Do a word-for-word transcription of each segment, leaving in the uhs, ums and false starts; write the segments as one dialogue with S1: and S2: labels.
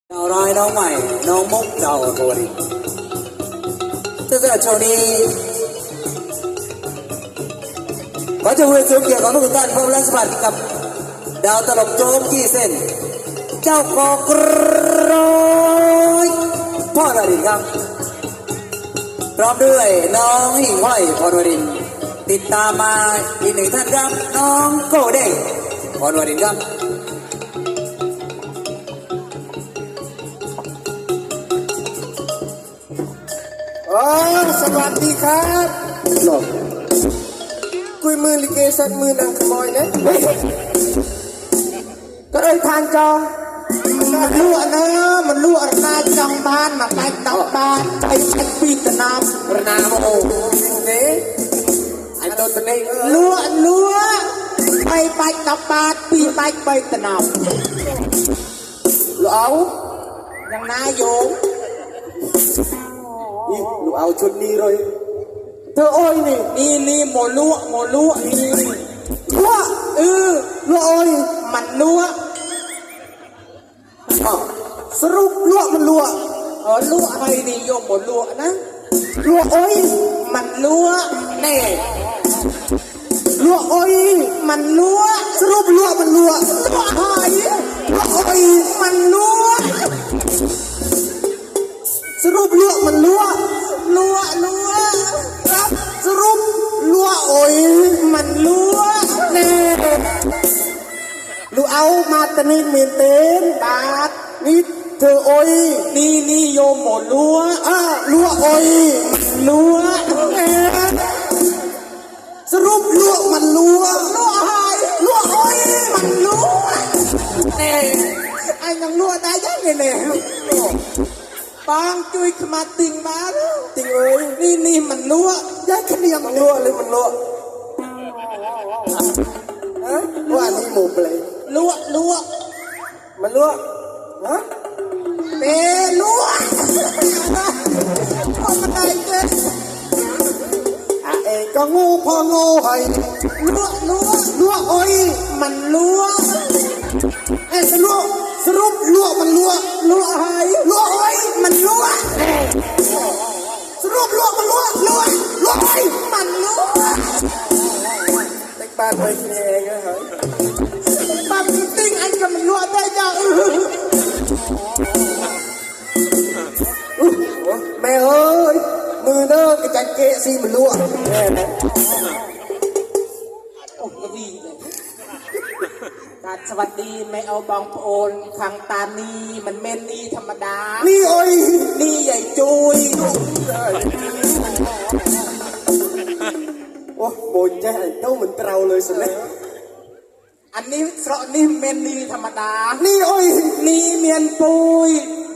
S1: ดาวร้ายน้องใหม่น้องมุกดาวตัวนี้ถ้าเกิดช่วงนี้ก็จะคุยถึงเกี่ยวกับทุกท่านพร้อมและสวัสดีกับดาวตลกโจ๊กกี้เส้นเจ้ากอกร้อยพ่อดารินครับพร้อมด้วยน้องหิ่งห้อยพรวรินติดตามมาอีกหนึ่งท่านครับน้องโก้เด้งพรวรินครับ
S2: อ๋อสวัสดีครับหลบกุยมือลิเกสันมือนางขโมยนะก็เลยทานจองมันรั่วนะมันรั่วนาจองบ้านมาไปตอกบ้านไปใช้ปีตะนามระนามโอ้เนี่ยไอ้ตัวนี้รั่วรั่วไปไปตอกบ้านปีไปไปตะนามเอาอย่างนายโยมนี่ลูกเอาชุดนี้เลยเธอโอ้ยนี่นี่นี่โมลัวโมลัวนี่ลัวเออลัวโอ้ยมันลัวสรุปลัวมันลัวเออลัวอะไรนี่โยมโมลัวนะลัวโอ้ยมันลัวแน่ลัวโอ้ยมันลัวสรุปลัวมันลัวลัวหายลัวโอ้ยมันลัวสรุปลัวมันลัวลัวลัวครับสรุปลัวโอ้ยมันลัวแน่ลูเอามาตะนิเมนเต้นบาทนี่เธอโอ้ยนี่นี่โยมหมดลัวอ่ะลัวโอ้ยมันลัวแน่สรุปลัวมันลัวลัวหายลัวโอ้ยมันลัวแน่ไอ้ยังลัวได้ยังไงเนี่ยบางจุยขมาติงมาแล้วติงเอ้ยนี่นี่มันลัวย้ายขเนียมันลัวเลยมันลัวฮะว่านี่หมูเปลยลัวลัวมันลัวฮะเปลัวพอมันได้เจ้อ่ะเองก็งูพองูให้ลัวลัวลัวโอ้ยมันลัวเอ้สรุปสรุปลัวมันลัวลัวหายลัวโอ้ยมันลัวสรุปลัวมันลัวลัวลัวโอ้ยมันลัวเด็กบ้านไปกินเองนะฮะบ้านติ้งอันก็มันลัวได้ยังแม่เอ้ยมือเด้อกระจังเกะซีมันลัวแม่นะโอ้กระบี่เลยการสวัสดีไม่เอาบองโอนทางตานีมันเม่นนี่ธรรมดานี่โอ้ยนี่ใหญ่จุยโอ้โบนใจเต้าเหมือนเราเลยสิเลยอันนี้สระนี่เม่นนี่ธรรมดานี่โอ้ยนี่เมียนปุย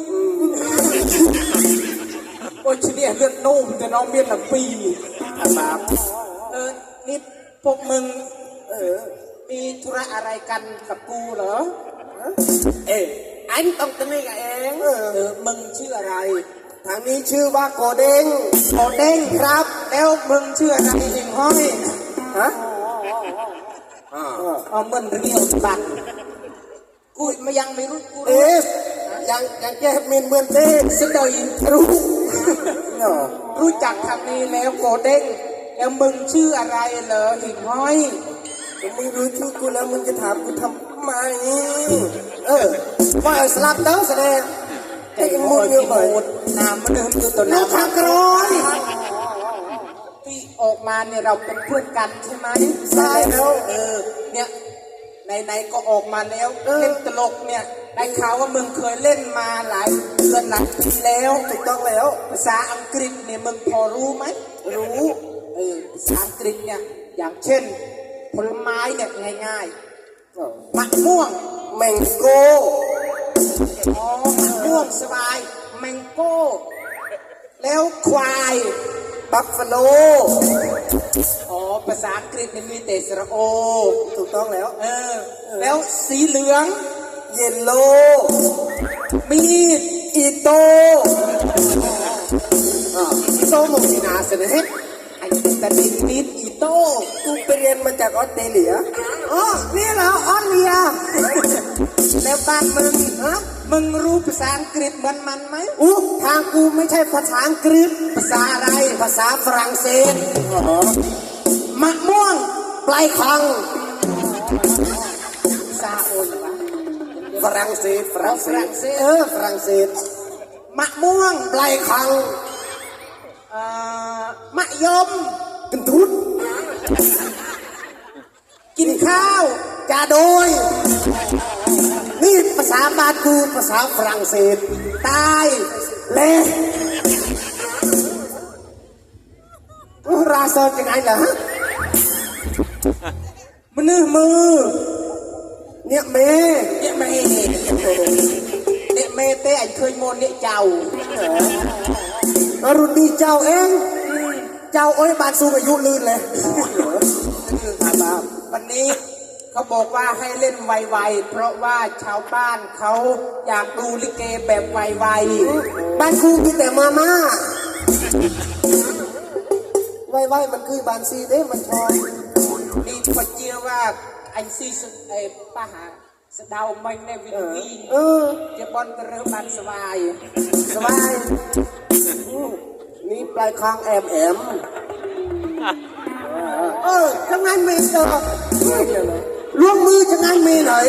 S2: โอ้ยชีเนี่ยเลือดนุ่มแต่น้องเมียนหลังปีอาบาเออนี่พวกมึงเออมีธุระอะไรกันกับกูเหรอเอ๊ะอันต้องตั้งให้กับเองเออมึงชื่ออะไรทางนี้ชื่อว่าโกเด้งโกเด้งครับแล้วมึงชื่ออะไรหิ่งห้อยฮะอ๋อมึงเรียวบัตรกูไม่ยังไม่รู้กูเอ๊ะยังยังแก้เมนเมือนเต้สุดยรู้รู้จักคำนี้แล้วโกเด้งแล้วมึงชื่ออะไรเหรอหิ่งห้อยมึงรู้ชื่อกูแล้วมึงจะถามกูทำไมเออว่าสลับเต้าแสดงไอ้มึงเนี่ยเหมือนน้ำมันเดิมคือตัวน้ำทางกรอยที่ออกมาเนี่ยเราเป็นเพื่อนกันใช่ไหมใช่แล้วเออเนี่ยไหนๆก็ออกมาแล้วเล่นตลกเนี่ยได้ข่าวว่ามึงเคยเล่นมาหลายเดือนหลายปีแล้วถูกต้องแล้วภาษาอังกฤษเนี่ยมึงพอรู้ไหมรู้เออภาษาอังกฤษเนี่ยอย่างเช่นผลไม้เนี่ยง่ายๆมะม่วงแมงโก้อ๋อมะม่วงสบายแมงโก้แล้วควายบัฟฟาโลอ๋อภาษาอังกฤษเนี่ยมีแต่สระโอถูกต้องแล้วเออแล้วสีเหลืองเยลโล่มีดอีโต้อีโต้โมซินาเสนอไอ้แต่ดินดินอีโต้กูไปเรียนมาจากออสเตรเลียอ๋อนี่เหรอออสเตรเลียแล้วบ้านมึงฮะมึงรู้ภาษาอังกฤษเหมือนมันไหม
S1: อู้ทางกูไม่ใช่ภาษาอังกฤษ
S2: ภาษาอะไร
S1: ภาษาฝรั่งเศส
S2: มะม่วง
S1: ปลายคัง
S2: ภาษาโอนวะ
S1: ฝรั่งเศสฝรั่งเศ
S2: ฝรั่
S1: ส
S2: งเศส
S1: เออฝรั่งเศส
S2: มะม่วง
S1: ปลายคัง
S2: เอ่อมะยม
S1: กันทุน
S2: กินข้าว
S1: จาโดย นี่ภาษาบ้านกูภาษาฝรั่งเศส
S2: ตาย
S1: เละราเซอร์จะไงเหรอฮะ
S2: มือมือ
S1: เนี่ยเม
S2: เนี่ยเมเนี่ยเมเต้ไอ้เคยโมนเนี่ยเจ้า
S1: อรุณดีเจ้าเองเจ้าโอ้ยบานสูงอายุลื่นเลย
S2: วันนี้เขาบอกว่าให้เล่นไวๆเพราะว่าชาวบ้านเขาอยากดูลิเกแบบไว
S1: บ้านกูมีแต่มาม่าไว้ไว้มันคือบานซีเด้มันชอบ
S2: ๆนี่พอเจียว่าไอ้ซีสุดไอ้ป้าหาสะเดาไม่ในวิธี
S1: เออ
S2: จะบอลกระเรือบันสบาย
S1: สบายอืมนี่ปลายคางแอมแอมเออจะงานเมย์เจอร่วมมือจะงานเมย์หน่อย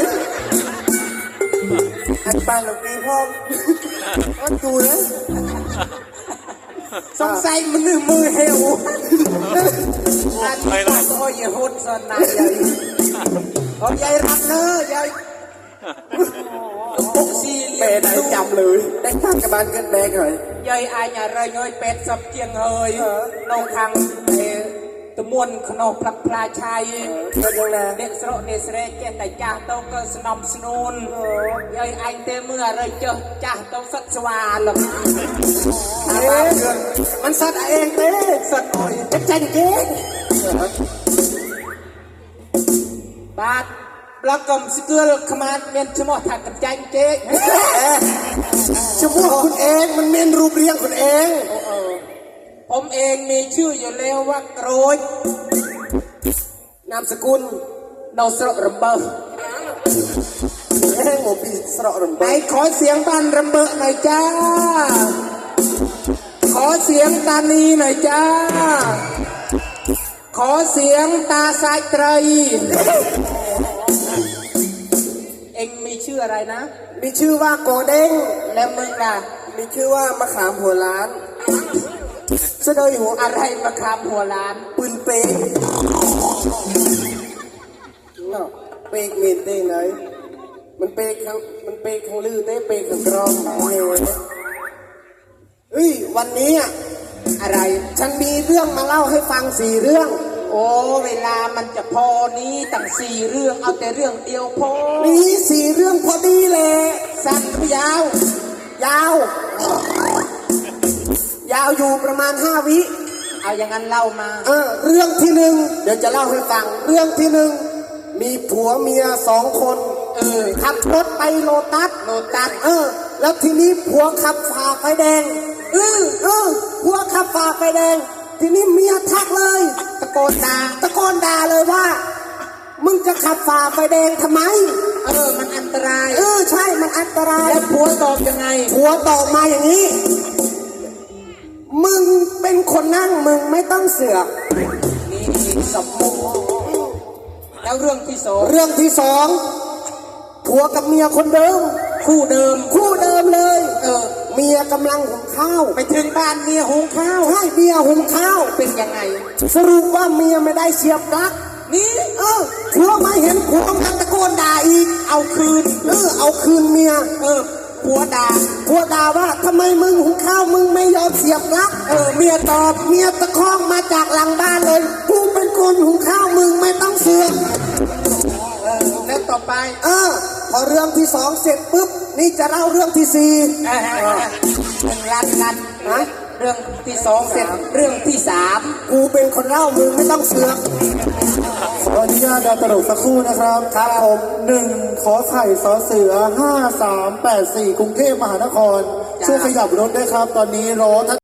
S1: อันปานหลงปีพ่ออันดูเลย
S2: สงสัยมือมือเฮวอันนี้ก็โอ้ยโหดสนายใหญ่โอ้ยใหญ่รักเนอะใหญ่ปุ๊กซี
S1: เปย์ไหนจำเลยได้ตั้งกับบานเกินแบกหน่อย
S2: ใหญ่อายอย่าเรยเงยเป็ดสับเกียงเฮยนองทางเอตะมวนขนมพลับพลาชัย
S1: ก็ยังไง
S2: เด็กสระเนสเรเจแต่จ่าโตก็สนมสนุนใหญ่ไอเตเมื่อเรยเจอจ่าโตสัตสวาล
S1: เอ๊ะมันสัตว์เองเต้สัตว์อ่อยเป็นใจเก่ง
S2: บาทปลากรมสกุลขมาเมียนชมอถักกับใจเจ๊
S1: ชื่อพวกคุณเองมันเมนรูปเรียงคุณเอง
S2: ผมเองมีชื่ออยู่แล้วว่าโกรย
S1: นามสกุล
S2: โนสระรำเบอร์
S1: เอ้งโมปีสระรำ
S2: ไหน
S1: เบิด
S2: ขอเสียงบ้านรำเบอร์หน่อยจ้า ขอเสียงตานีหน่อยจ้า ขอเสียงตาสายไตร เอ็งมีชื่ออะไรนะ
S1: มีชื่อว่าโกเด้ง
S2: แล้วมึงล่ะ
S1: มีชื่อว่ามะขามหัวล้านเสดยหัว
S2: อะไรมาคำหัวล้าน
S1: ปืนเปกเนาะเปกเมนเต้ไหนมันเปกข้างมันเปกข้างลือเต้เปกข้างกรองเฮ้ยวันนี้อะ
S2: อะไร
S1: ฉันมีเรื่องมาเล่าให้ฟังสี่เรื่อง
S2: โอ้เวลามันจะพอนี้ตั้งสี่เรื่องเอาแต่เรื่องเดียวพอ
S1: มีสี่เรื่องพอดีเลย
S2: สั้นหรือยาว
S1: ยาว ยาวอยู่ประมาณห้าวิ
S2: เอาอย่างนั้นเล่ามา
S1: เออเรื่องที่หนึ่งเดี๋ยวจะเล่าให้ฟัง เรื่องที่หนึ่งมีผัวเมียสองคน
S2: เออ
S1: ขับรถไปโลตัส
S2: โลตัส
S1: เออ แล้วทีนี้ผัวขับฝ่าไฟแดง
S2: เออ
S1: เออผัวขับฝ่าไฟแดง ทีนี้เมียทักเลย
S2: ตะโกนด่า
S1: ตะโกนด่าเลยว่า มึงจะขับฝ่าไฟแดงทำไม
S2: เออมันอันตราย
S1: เออใช่มันอันตราย
S2: แล้วผัวตอบยังไง
S1: ผัวตอบมาอย่างนี้ มึงเป็นคนนั่งมึงไม่ต้องเสือก
S2: นี่สมมุติแล้วเรื่องที่สอง
S1: เรื่องที่สองผัวกับเมียคนเดิม
S2: คู่เดิม
S1: คู่เดิมเลย
S2: เออ
S1: เมียกำลังหุงข้าว
S2: ไปถึงบ้านเมียหุงข้าว
S1: ใช่เมียหุงข้าว
S2: เป็นยังไง
S1: สรุปว่าเมียไม่ได้เสียบปลั๊ก
S2: นี่
S1: เออผัวมาเห็นผัวกำลังตะโกนด่าอีก
S2: เอาคืน
S1: เออเอาคืนเมีย
S2: เออผัวด่า
S1: ผัวด่าว่าทำไมมึงหุงข้าวมึงไม่ยอมเสียบปลั๊ก
S2: เออเมียตอบ
S1: เมียตะคองมาจากหลังบ้านเลยกูเป็นคนหุงข้าวมึงไม่ต้องเสือก
S2: เออแล้วต่อไป
S1: เออพอเรื่องที่สองเสร็จปุ๊บนี่จะเล่าเรื่องที่สี่
S2: เออเออเออรันรัน
S1: นะ
S2: เรื่องที่สองเสร็จเรื่องที่สาม
S1: กูเป็นคนเล่ามึงไม่ต้องเสือก
S3: ขออนุญาตดาวตลกสักครู่นะครับ
S1: ครับผม
S3: หนึ่งขอไข่สอเสือห้าสามแปดสี่กรุงเทพมหานคร ช่วยขยับรถด้วยครับ ตอนนี้รอท่าน